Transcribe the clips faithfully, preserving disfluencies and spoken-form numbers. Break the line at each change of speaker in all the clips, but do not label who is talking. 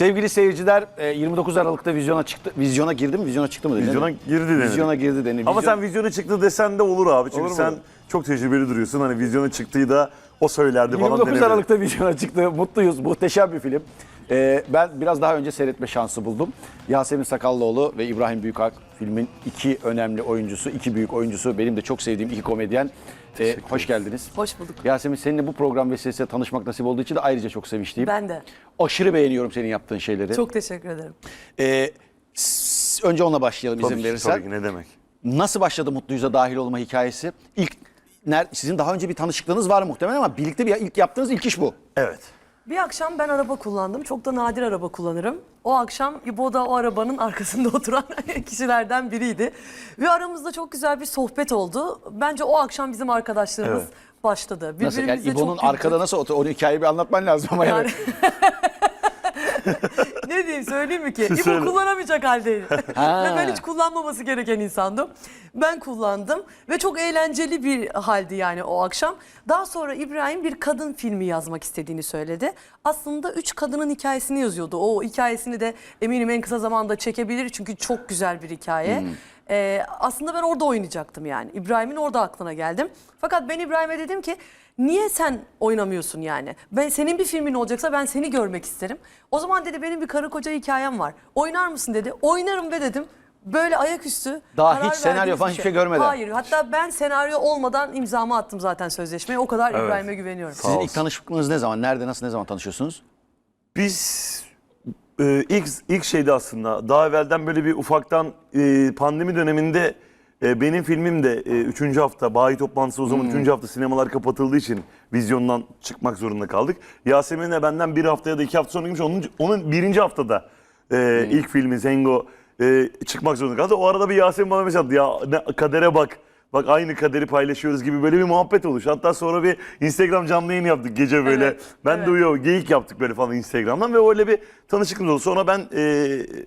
Sevgili seyirciler, yirmi dokuz Aralık'ta vizyona çıktı. Vizyona girdi mi? Vizyona çıktı mı? Dedi,
Vizyona girdi denir.
Vizyona girdi denir.
Ama
Vizyon...
sen vizyona çıktı desen de olur abi. Çünkü
Olur mu?
sen çok tecrübeli duruyorsun. Hani vizyona çıktığı da o söylerdi falan
yirmi dokuz
denebilir.
Aralık'ta vizyona çıktı. Mutluyuz. Muhteşem bir film. Ee, ben biraz daha önce seyretme şansı buldum. Yasemin Sakallıoğlu ve İbrahim Büyükak filmin iki önemli oyuncusu, iki büyük oyuncusu. Benim de çok sevdiğim iki komedyen. Ee, hoş geldiniz.
Hoş bulduk.
Yasemin, seninle bu program vesilesiyle tanışmak nasip olduğu için de ayrıca çok sevinçliyim.
Ben de.
Aşırı beğeniyorum senin yaptığın şeyleri.
Çok teşekkür ederim.
Ee, s- önce onunla başlayalım
Tabii
izin
ki,
verirsen.
tabii ki, ne demek.
Nasıl başladı Mutluyuz'a dahil olma hikayesi? İlk ner, sizin daha önce bir tanışıklığınız var muhtemelen ama birlikte bir ilk yaptığınız ilk iş bu.
Evet.
Bir akşam ben araba kullandım. Çok da nadir araba kullanırım. O akşam İbo da o arabanın arkasında oturan kişilerden biriydi. Ve aramızda çok güzel bir sohbet oldu. Bence o akşam bizim arkadaşlığımız
Evet.
başladı.
Nasıl? Yani
Birbirimize
İbo'nun
çok
arkada
güldük.
nasıl otur? Onu hikayeyi bir anlatman lazım ama yani.
Yani... Ne diyeyim, söyleyeyim mi ki? İbo
Söyle.
kullanamayacak haldeydi.
Ha.
Ve ben hiç kullanmaması gereken insandım. Ben kullandım ve çok eğlenceli bir haldi yani o akşam. Daha sonra İbrahim bir kadın filmi yazmak istediğini söyledi. Aslında üç kadının hikayesini yazıyordu. O hikayesini de eminim en kısa zamanda çekebilir çünkü çok güzel bir hikaye.
Hmm.
Ee, aslında ben orada oynayacaktım yani. İbrahim'in orada aklına geldim. Fakat ben İbrahim'e dedim ki niye sen oynamıyorsun yani? Ben senin bir filmin olacaksa ben seni görmek isterim. O zaman dedi benim bir karı koca hikayem var. Oynar mısın dedi. Oynarım be dedim. Böyle ayaküstü.
Daha
karar
hiç senaryo
verdiğimiz
falan
bir
hiçbir şey görmeden.
Hayır. Hatta ben senaryo olmadan imzamı attım zaten sözleşmeye. O kadar
Evet.
İbrahim'e güveniyorum.
Sizin ilk
olsun.
tanışıklığınız ne zaman? Nerede, nasıl, ne zaman tanışıyorsunuz?
Biz e, ilk ilk şeydi aslında. Daha evvelden böyle bir ufaktan e, pandemi döneminde e, benim filmim de e, üçüncü hafta bayi toplantısı o zaman üçüncü hafta sinemalar kapatıldığı için vizyondan çıkmak zorunda kaldık. Yasemin de benden bir hafta ya da iki hafta sonra girmiş. Onun, onun birinci haftada e, ilk filmi Zengo e, çıkmak zorunda kaldı. O arada bir Yasemin bana mesaj attı. Ya ne, kadere bak. Bak aynı kaderi paylaşıyoruz gibi böyle bir muhabbet oluştu. Hatta sonra bir Instagram canlı yayın yaptık gece böyle.
Evet,
ben
evet.
de uyuyor, geyik yaptık böyle falan Instagram'dan ve öyle bir tanışıklığımız oldu. Sonra ben e,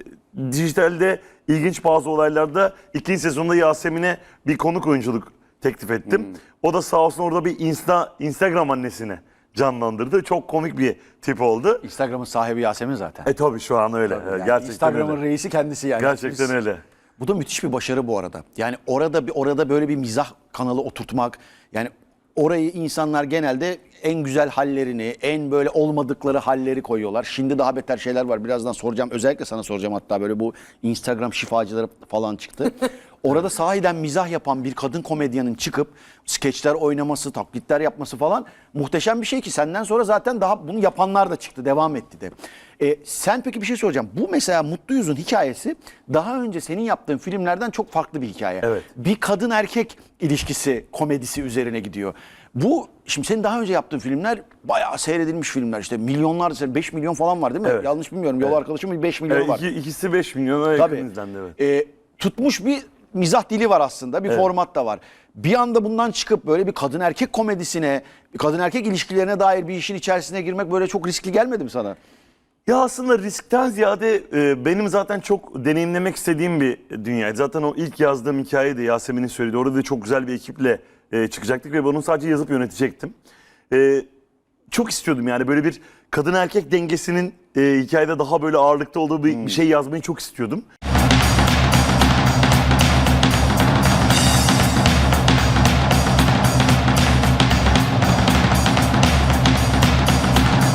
dijitalde ilginç bazı olaylarda ikinci sezonda Yasemin'e bir konuk oyunculuk teklif ettim.
Hmm.
O da sağ olsun orada bir Insta, Instagram annesini canlandırdı. Çok komik bir tip oldu.
Instagram'ın sahibi Yasemin zaten.
E tabii şu an öyle.
Yani
Gerçekten
Instagram'ın
öyle.
reisi kendisi yani.
Gerçekten
Biz-
öyle.
Bu da müthiş bir başarı bu arada. Yani orada bir orada böyle bir mizah kanalı oturtmak, yani orayı insanlar genelde en güzel hallerini, en böyle olmadıkları halleri koyuyorlar. Şimdi daha beter şeyler var. Birazdan soracağım. Özellikle sana soracağım, hatta böyle bu Instagram şifacıları falan çıktı. Orada sahiden mizah yapan bir kadın komedyenin çıkıp skeçler oynaması, taklitler yapması falan muhteşem bir şey ki senden sonra zaten daha bunu yapanlar da çıktı, devam etti de. E, sen peki bir şey soracağım. Bu mesela Mutluyuz'un hikayesi daha önce senin yaptığın filmlerden çok farklı bir hikaye.
Evet.
Bir kadın erkek ilişkisi, komedisi üzerine gidiyor. Bu şimdi senin daha önce yaptığın filmler bayağı seyredilmiş filmler. İşte milyonlar, beş milyon falan var değil mi?
Evet.
Yanlış bilmiyorum. Yol arkadaşımın beş milyonu
Evet,
var.
iki, ikisi beş milyona
Tabii.
yakın izlendi, evet.
Ee, tutmuş bir mizah dili var aslında. Bir
Evet.
format da var. Bir anda bundan çıkıp böyle bir kadın erkek komedisine, bir kadın erkek ilişkilerine dair bir işin içerisine girmek böyle çok riskli gelmedi mi sana?
Ya aslında riskten ziyade e, benim zaten çok deneyimlemek istediğim bir dünyaydı. Zaten o ilk yazdığım hikayeydi, Yasemin'in söylediği. Orada da çok güzel bir ekiple e, çıkacaktık ve bunu sadece yazıp yönetecektim. E, çok istiyordum yani böyle bir kadın erkek dengesinin e, hikayede daha böyle ağırlıkta olduğu bir, bir şey yazmayı çok istiyordum.